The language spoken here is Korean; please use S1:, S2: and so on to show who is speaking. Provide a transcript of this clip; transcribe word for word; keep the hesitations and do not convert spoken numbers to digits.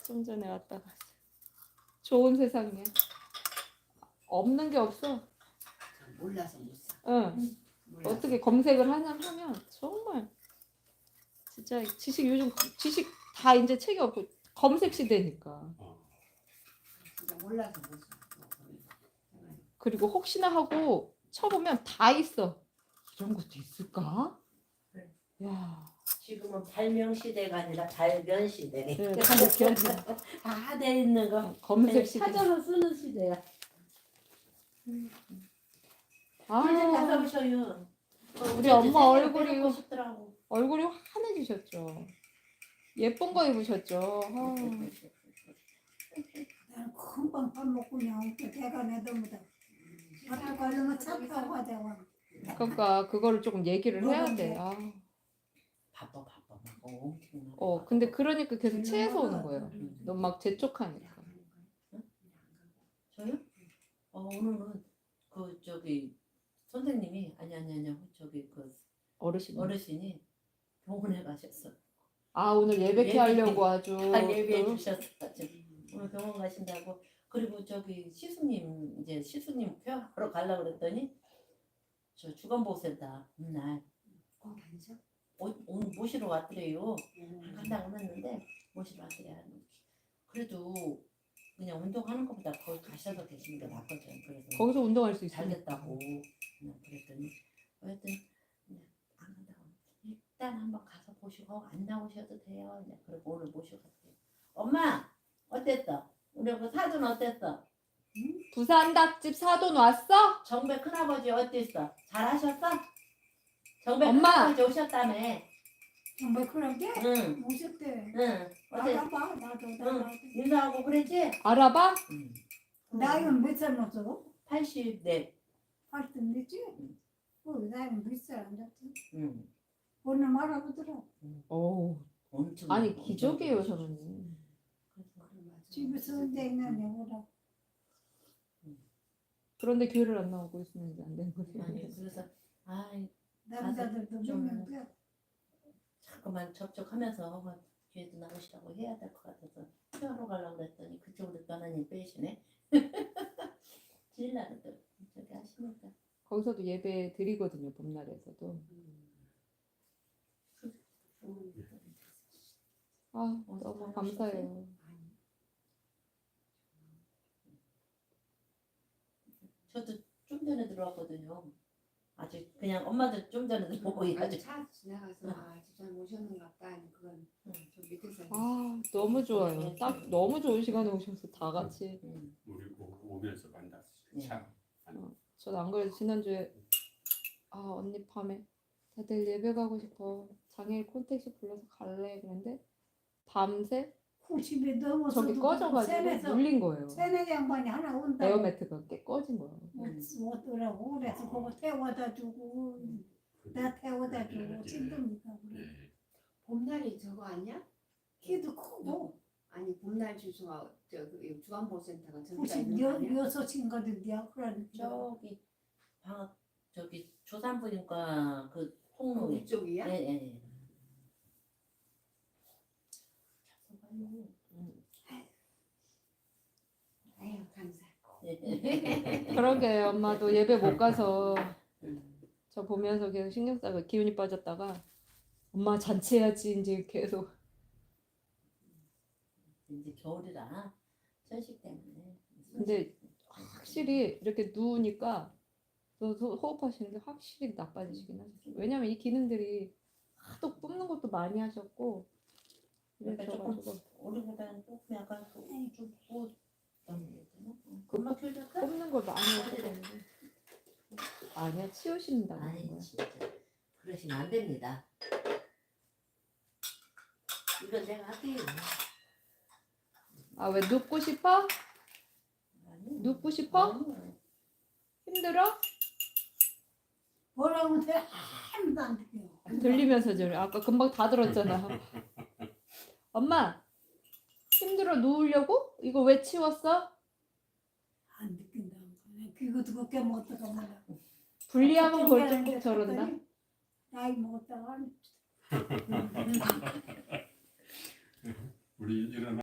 S1: 좀 전에 왔다 갔어. 좋은 세상이야. 없는 게 없어.
S2: 몰라서 못 사.
S1: 응.
S2: 몰라서.
S1: 어떻게 검색을 하냐 하면 정말 진짜 지식 요즘 지식 다 이제 책이 없고 검색 시대니까.
S2: 진짜 몰라서 못 사.
S1: 그리고 혹시나 하고 쳐보면 다 있어. 이런 것도 있을까?
S2: 네.
S1: 야.
S2: 지금은 발명 시대가 아니라 발견 시대.
S1: 네, 발견.
S2: 다돼 있는 거
S1: 검색 시대.
S2: 찾아서 쓰는 시대야.
S1: 아,
S2: 꿀좀 나가보셔요.
S1: 우리 엄마 얼굴이
S2: 빼놓고 싶더라고.
S1: 얼굴이 환해지셨죠. 예쁜 거 입으셨죠. 아.
S3: 나는 금방 밥 먹고 그냥 대가 내던보다 밥도 가려면 차 타고 가자고.
S1: 그러니까 그거를 조금 얘기를 해야 돼. 아.
S2: 바빠 바빠 막 엄청.
S1: 어, 근데 그러니까 계속 체해서 오는 거예요. 너무 막 재촉하니까.
S2: 저요? 어 오늘은 그 저기 선생님이 아니 아니 아니 저기 그
S1: 어르신.
S2: 어르신이 병원에 가셨어.
S1: 아, 오늘 예배케
S2: 예배.
S1: 하려고 아주.
S2: 다 예배해
S1: 또
S2: 주셨어. 지금 오늘 병원 가신다고. 그리고 저기 시수님 이제 시수님 폐하러 가려고 그랬더니 저 주간보호센터 날
S3: 거기 앉아?
S2: 오늘 모시러 왔더래요. 간다고 했는데 모시러 왔더래. 그래도 그냥 운동하는 것보다 거기 가셔서 계시는 게 낫거든. 그래서
S1: 거기서 운동할 수
S2: 잘
S1: 있으니까.
S2: 됐다고 그냥 그랬더니 하여튼 그냥 안 간다고 일단 한번 가서 보시고 안 나오셔도 돼요. 그냥 그리고 오늘 모시고 갔대요. 엄마 어땠어? 우리 그 사돈 어땠어?
S1: 부산 닭집 사돈 왔어?
S2: 정배 큰아버지 어땠어? 잘하셨어? 정배
S1: 엄마!
S2: 큰아버지 오셨다며.
S3: 정말 그런데
S2: 응.
S3: 오셨대.
S2: 응. 어때?
S3: 알아봐 나도
S2: 응.
S3: 나도.
S2: 인사하고 그랬지?
S1: 알아봐?
S2: 응.
S3: 나이는 몇 살 먹어?
S2: 팔십네.
S3: 팔십 됐지?
S2: 응.
S3: 그 나이는 몇 살 안 됐지?
S2: 응.
S3: 오늘 말아보더라.
S1: 오.
S2: 엄청.
S1: 아니
S2: 엄청
S1: 기적이에요
S2: 좋으시죠.
S1: 저는.
S3: 집에서 내가 내보라.
S1: 그런데 교회를 안 나오고 있으면 이제 안 되는 거지.
S2: 아니 그래서 아이
S3: 남자들도
S2: 좀-
S3: 몇명 돼.
S2: 자꾸만 접촉하면서 뒤에도 나오시라고 해야 될 것 같아서 휴하러 가려고 그랬더니 그쪽으로 떠나니 빼시네. 질나는 또 저기 하시니까.
S1: 거기서도 예배 드리거든요 봄날에서도. 아 너무 감사해요.
S2: 저도 좀 전에 들어왔거든요. 아직 그냥 엄마들 좀 전에 들어오고
S4: 아니
S2: 아직.
S4: 차 지나가서 아 진짜 모셨는가 보다 아니 그건
S2: 응.
S4: 저 밑에서
S1: 아 너무 좋아요. 딱 너무 좋은 시간에 오셔서 다 같이.
S2: 응.
S5: 우리 오- 오면서 만났어.
S2: 네.
S5: 참.
S1: 전 안 그래도 지난주에 아 언니 밤에 다들 예배 가고 싶어 장애인 콘택시 불러서 갈래 그랬는데 밤새
S3: 구십이 넘어서
S1: 저기 꺼져가지고 물린 거예요.
S3: 세네 양반이 하나 온다고.
S1: 에어매트가 깨 꺼진 거예요.
S3: 못 오더라고. 그래서 그거 태워다 주고 나 태워다 주고 힘듭니까?
S5: 예.
S4: 봄날이 저거 아니야?
S3: 키도 크고
S4: 아니 봄날 주소가 저그 주간보호센터가 저기가
S3: 구십
S4: 있는 거 아니야?
S3: 여섯인거든요. 그러니까
S2: 저기 방학 저기 조산부인과 그 통로에.
S4: 이쪽이야?
S2: 예예.
S4: 아유 감사.
S1: 그러게 엄마도 예배 못 가서
S2: 음.
S1: 저 보면서 계속 신경 쓰고 기운이 빠졌다가 엄마 잔치해야지 이제 계속.
S2: 이제 겨울이라 천식 때문에.
S1: 근데 확실히 이렇게 누우니까 또 소- 호흡하시는 게 확실히 나빠지시긴 하셨어요. 왜냐면 이 기능들이 하도 뿜는 것도 많이 하셨고
S2: 그러니까
S1: 그래가지고
S2: 우리보다는 조금 약간 좀 붓고 금방 켜졌어?
S1: 뿜는 걸 많이 하셨는데 아니야 치우신다는
S2: 아니
S1: 거야.
S2: 진짜 그러시면 안 됩니다. 이건 내가 할게요.
S1: 아 왜 눕고 싶어?
S2: 아니,
S1: 눕고 싶어?
S2: 아니.
S1: 힘들어?
S3: 뭐라고 돼? 아무도 안 돼요.
S1: 들리면서 저 아까 금방 다 들었잖아. 엄마 힘들어 누우려고? 이거 왜 치웠어?
S3: 안 느낀다. 그거 두껍게 먹었다가 말이야.
S1: 분리하면
S3: 그렇게
S1: 벌쩍
S3: 하는데
S1: 저런다.
S3: 갔더니 나이 먹었다가
S5: 우리 일어나.